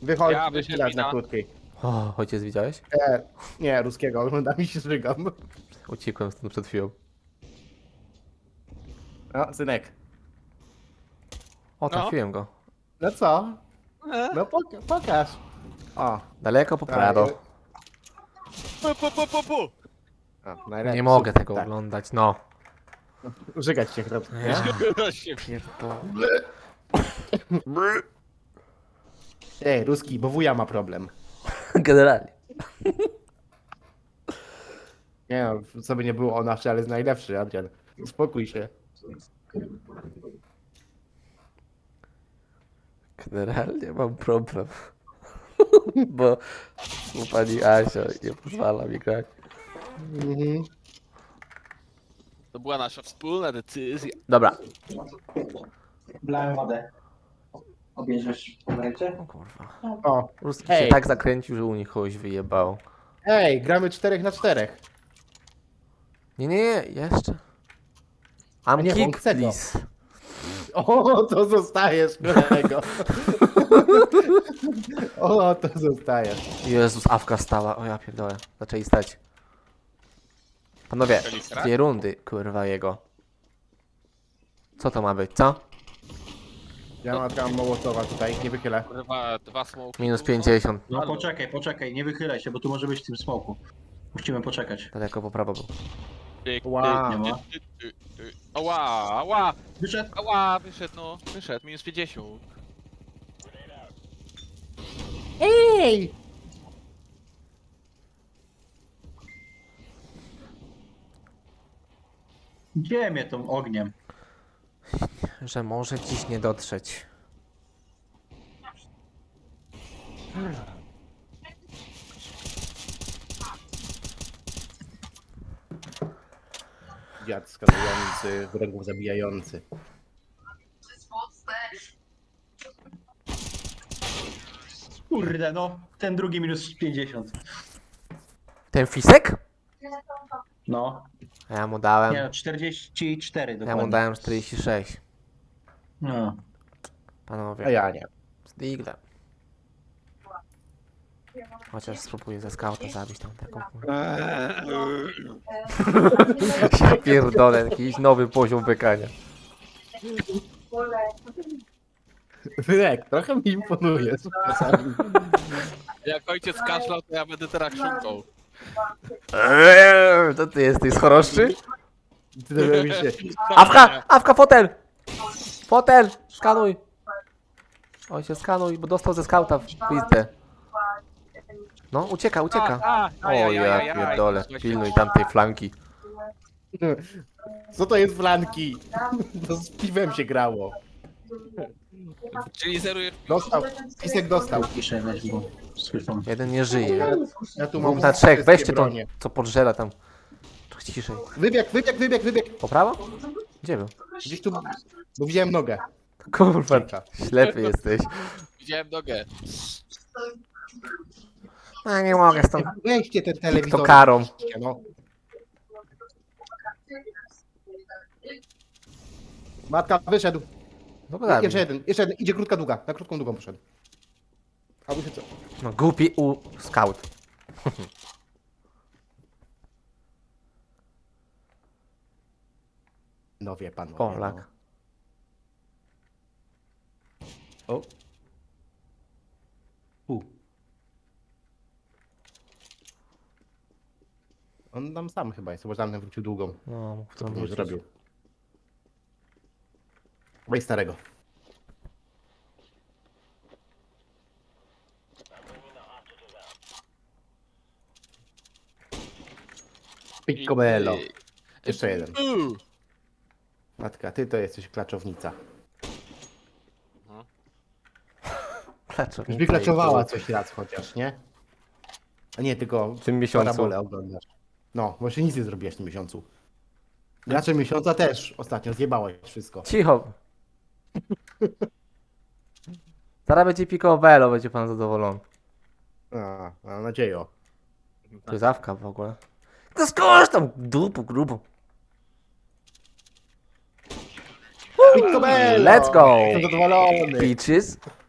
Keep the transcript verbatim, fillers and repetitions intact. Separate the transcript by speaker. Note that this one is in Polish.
Speaker 1: Wychodź,
Speaker 2: Ja
Speaker 1: wychylać
Speaker 2: wyszedł
Speaker 1: na
Speaker 2: na-
Speaker 1: krótkiej.
Speaker 3: O, ojciec widziałeś?
Speaker 1: Nie, nie, ruskiego, oglądam i się żygam.
Speaker 3: Uciekłem stąd przed chwilą.
Speaker 1: No, synek.
Speaker 3: O, trafiłem go.
Speaker 1: No co?
Speaker 2: E?
Speaker 1: No pok pokaż. O,
Speaker 3: Daleko po prawo.
Speaker 2: Pu, pu, pu, pu, pu.
Speaker 1: o najlepiej.
Speaker 3: Nie mogę tego
Speaker 1: Tak.
Speaker 3: oglądać, no.
Speaker 1: Żygać się chce.
Speaker 3: Ja
Speaker 2: Się
Speaker 3: pierdolę.
Speaker 1: Ej, ruski, bo wuja ma problem.
Speaker 3: Generalnie.
Speaker 1: Nie no, co by nie było, on nasz, ale jest najlepszy, Adrian. Uspokój się.
Speaker 3: Generalnie mam problem. Bo, bo pani Asia nie pozwala mi grać.
Speaker 1: Mhm.
Speaker 2: To była nasza wspólna decyzja.
Speaker 3: Dobra.
Speaker 4: Blałem wodę. Obierzesz pomarańcze?
Speaker 3: O kurwa.
Speaker 1: O,
Speaker 3: Ruski
Speaker 1: Hej.
Speaker 3: się tak zakręcił, że u nich kogoś wyjebał.
Speaker 1: ej, gramy czterech na czterech.
Speaker 3: Nie, nie, nie, jeszcze. I'm
Speaker 1: nie, on
Speaker 3: kick,
Speaker 1: chce go.
Speaker 3: please.
Speaker 1: O, to zostajesz, kolego. O, to zostajesz.
Speaker 3: Jezus, awka stała. O ja pierdolę. Zaczęli stać. Panowie,
Speaker 2: Kalistra?
Speaker 3: dwie rundy, kurwa jego. Co to ma być, co?
Speaker 1: Ja mam tam Mołotowa tutaj, nie wychylę.
Speaker 2: Kurwa, dwa smoki.
Speaker 3: Minus pięćdziesiąt.
Speaker 4: No poczekaj, poczekaj, nie wychylaj się, bo tu może być w tym smoku. Musimy poczekać.
Speaker 3: Daleko po prawo był.
Speaker 2: Tyk,
Speaker 1: Wow.
Speaker 2: tyk, tyk, tyk, tyk, tyk. Ała, ała,
Speaker 4: Wyszedł!
Speaker 2: ała, wyszedł no, wyszedł, minus pięćdziesiąt.
Speaker 1: Ej!
Speaker 4: Gdzie mnie tą ogniem?
Speaker 3: Że może dziś nie dotrzeć.
Speaker 1: Dziad skanujący, wrogów zabijający.
Speaker 4: Kurde no, ten drugi minus pięćdziesiąt.
Speaker 3: Ten fisek?
Speaker 4: No,
Speaker 3: A ja mu dałem.
Speaker 4: nie no, czterdzieści cztery
Speaker 3: Ja
Speaker 4: dokładnie.
Speaker 3: mu dałem czterdzieści sześć.
Speaker 4: No.
Speaker 3: Panowie.
Speaker 1: A ja nie.
Speaker 3: Z diglem. Chociaż spróbuję ze skauta zabić tam taką. Ja pierdolę, jakiś nowy poziom bykania.
Speaker 1: Wyrek, trochę mi imponuje. Czasami.
Speaker 2: Jak ojciec kaszlał, to ja będę teraz chrząkał.
Speaker 3: Eee, to ty jesteś choroszczy?
Speaker 1: Ty to robisz się.
Speaker 3: Awka! Awka, fotel! Fotel! Skanuj! Oj się skanuj, bo dostał ze skauta w pizdę. No, ucieka, ucieka.
Speaker 2: A, a,
Speaker 3: O
Speaker 2: ajajajaj,
Speaker 3: ja pierdolę,
Speaker 2: słuchajcie.
Speaker 3: pilnuj tamtej flanki.
Speaker 1: Co to jest flanki? To z piwem się grało.
Speaker 2: Czyli zerujesz.
Speaker 1: Dostał, pisek dostał.
Speaker 4: Piszę weź, bo słyszą.
Speaker 3: Jeden nie żyje.
Speaker 1: Ja tu mam
Speaker 3: Dwóch na trzech,
Speaker 1: wszystkie
Speaker 3: weźcie to,
Speaker 1: bronie.
Speaker 3: co podżera tam. Trochę ciszej.
Speaker 1: Wybieg, wybieg, wybieg, wybieg.
Speaker 3: Po prawo? Gdzie był?
Speaker 1: Gdzieś tu, bo widziałem nogę.
Speaker 3: Kurwa,
Speaker 1: Czeka.
Speaker 3: ślepy jesteś.
Speaker 2: Widziałem nogę.
Speaker 3: A nie mogę stąd.
Speaker 1: Weźcie ten telewizor.
Speaker 3: To karą.
Speaker 1: No. Matka wyszedł.
Speaker 3: No bo
Speaker 1: Jeszcze jeden, jeszcze jeden. Idzie krótka długa. Na krótką długą poszedł. A wy się co?
Speaker 3: No głupi u scout.
Speaker 1: No wie pan.
Speaker 3: O, lak.
Speaker 1: O. U. On tam sam chyba jest, bo tamten wrócił długą.
Speaker 3: No, mógł
Speaker 1: Co
Speaker 3: to
Speaker 1: by nie
Speaker 3: wrócić.
Speaker 1: zrobił? Weź starego. Piccobello. Jeszcze jeden.
Speaker 2: Uuu.
Speaker 1: Matka, ty to jesteś klaczownica.
Speaker 3: Klaczownica
Speaker 1: Już by klaczowała coś raz chociaż, nie? A nie, tylko
Speaker 3: w tym miesiącu.
Speaker 1: parabolę oglądasz. No, bo jeszcze nic nie zrobiłeś w tym miesiącu. Gracze miesiąca też ostatnio zjebałeś wszystko.
Speaker 3: Cicho. Zaraz będzie Picobello, będzie pan zadowolony.
Speaker 1: A, mam nadzieję.
Speaker 3: To jest awka w ogóle. To skórz tam dupu grubą.
Speaker 1: Piccobello!
Speaker 3: Let's go!
Speaker 1: Jestem zadowolony.
Speaker 3: Peaches.